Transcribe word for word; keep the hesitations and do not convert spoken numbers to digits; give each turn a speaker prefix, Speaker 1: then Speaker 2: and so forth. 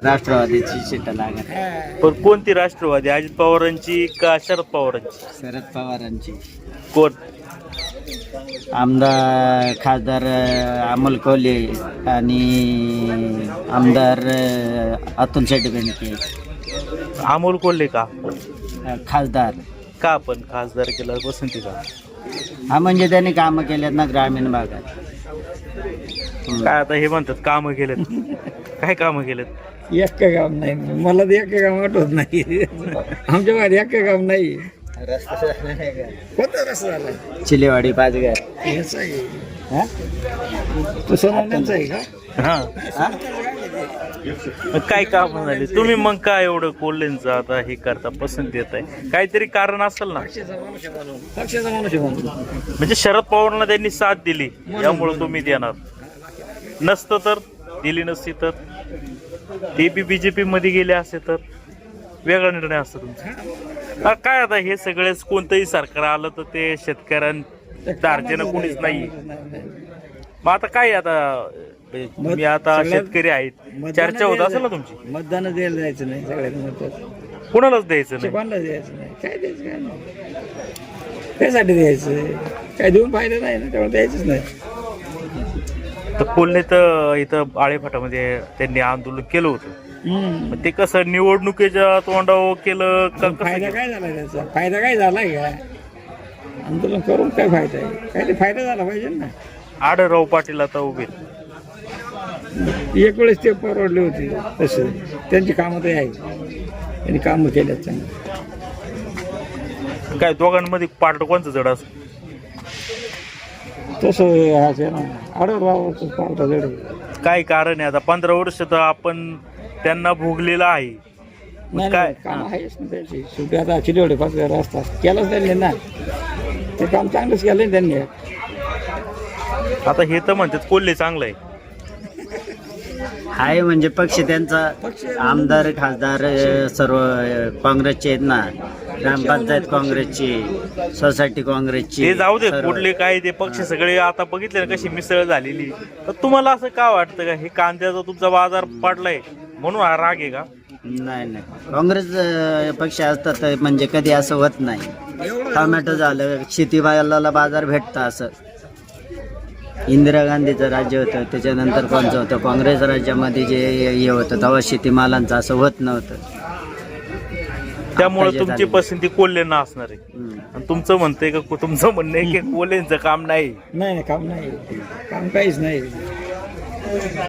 Speaker 1: राष्ट्रवादीची सीट लागत.
Speaker 2: पण कोणती राष्ट्रवादी, अजित पवारांची का शरद पवारांची?
Speaker 1: शरद पवारांची.
Speaker 2: कोण
Speaker 1: आमदार खासदार अमोल कोल्हे आणि आमदार अतुल शेट्टी बेनके.
Speaker 2: अमोल कोल्हे का?
Speaker 1: खासदार
Speaker 2: का पण खासदार केला पसंती का?
Speaker 1: हा म्हणजे त्यांनी कामं केलेत ना ग्रामीण भागात.
Speaker 2: काय आता हे म्हणतात कामं केलेत, काय कामं केलेत?
Speaker 3: एक का काम नाही, मला तर एक काम आठवत नाही. आमच्या बाहेर एक का काम नाही. कोणता रस्ता झाला?
Speaker 1: चिलेवाडी पाचघर.
Speaker 3: हेच आहे. हा? तो सोनाल्यांचा आहे का?
Speaker 2: हा मग काय काम झाले तुम्ही? मग काय एवढं कोल्हेंचं आता हे करता, पसंत देत आहे, काहीतरी कारण असेल ना?
Speaker 3: पक्षाचा माणूस आहे म्हणून. पक्षाचा माणूस आहे म्हणून.
Speaker 2: म्हणजे शरद पवारांना त्यांनी साथ दिली यामुळे तुम्ही देणार, नसतं तर दिली नसती तर ते बी बीजेपी मध्ये गेले असते तर वेगळा निर्णय असतो तुमचा. हा, काय आता हे सगळेच कोणतंही सरकार आलं तर ते शेतकऱ्यांच्या दारच्यानं कोणीच नाही. मग आता काय आता तुम्ही आता शेतकरी आहेत, चर्चा होत असेल ना तुमची?
Speaker 3: मतदान द्यायला जायचं नाही सगळ्यात महत्वाचं.
Speaker 2: कुणालाच द्यायचं नाही.
Speaker 3: कोणाला द्यायचं नाही. काय द्यायचं काय नाही, त्यासाठी द्यायचं काय देऊन फायदा नाही ना, तेव्हा द्यायचंच नाही.
Speaker 2: तर कोल्हे तर इथं आळेफाटामध्ये त्यांनी आंदोलन केलं होतं. मग ते कसं निवडणुकीच्या तोंडावर केलं का?
Speaker 3: फायदा काय झाला त्याचा? फायदा काय झाला का? आंदोलन करून काय फायदा आहे? काय ते फायदा झाला पाहिजे ना.
Speaker 2: आढळराव पाटील आता उभे,
Speaker 3: एक वेळेस ते परवडले होते तसे, त्यांची कामं तर आहे, त्यांनी कामं केल्यात चांगली.
Speaker 2: काय दोघांमध्ये पार्ट कोणचं जड असं?
Speaker 3: तसं आहे ना, आढळरावाचं पावटा जड आहे.
Speaker 2: काय कारण आहे? आता पंधरा वर्ष तर आपण त्यांना भोगलेलं आहे.
Speaker 3: नाही
Speaker 2: काय
Speaker 3: नाही, काम आहेच ना त्याची. शेवटी आता चिडवडे पाच रस्ता केलाच त्यांनी ना, ते काम चांगलंच केलं ना त्यांनी.
Speaker 2: आता हे तर म्हणतात कोल्हे चांगलं आहे.
Speaker 1: हाय म्हणजे पक्ष त्यांचा, आमदार खासदार सर्व काँग्रेसचे आहेत ना, ग्रामपंचायत काँग्रेसची, सोसायटी काँग्रेसची.
Speaker 2: ते जाऊ दे कुठले काय ते पक्ष सगळे आता बघितले ना कशी मिसळ झालेली. तर तुम्हाला असं का वाटतं का हे कांद्याचा तुमचा बाजार पडलाय म्हणून हा राग आहे का?
Speaker 1: नाही नाही, काँग्रेस अं, पक्ष असतात तर म्हणजे कधी असं होत नाही. टोमॅटो झालं, शेतीमालाला बाजार भेटतं असं. इंदिरा गांधीचं राज्य होतं, त्याच्यानंतर कोणचं होतं काँग्रेस राज्यामध्ये जे हे होतं तेव्हा शेतीमालांचं असं होत नव्हतं.
Speaker 2: त्यामुळे तुमची पसंती कोल्हेंना असणार आहे. आणि तुमचं म्हणतंय का, तुमचं म्हणणं आहे की कोल्हेंचं काम नाही?
Speaker 3: नाही नाही, काम नाही, काम काहीच नाही.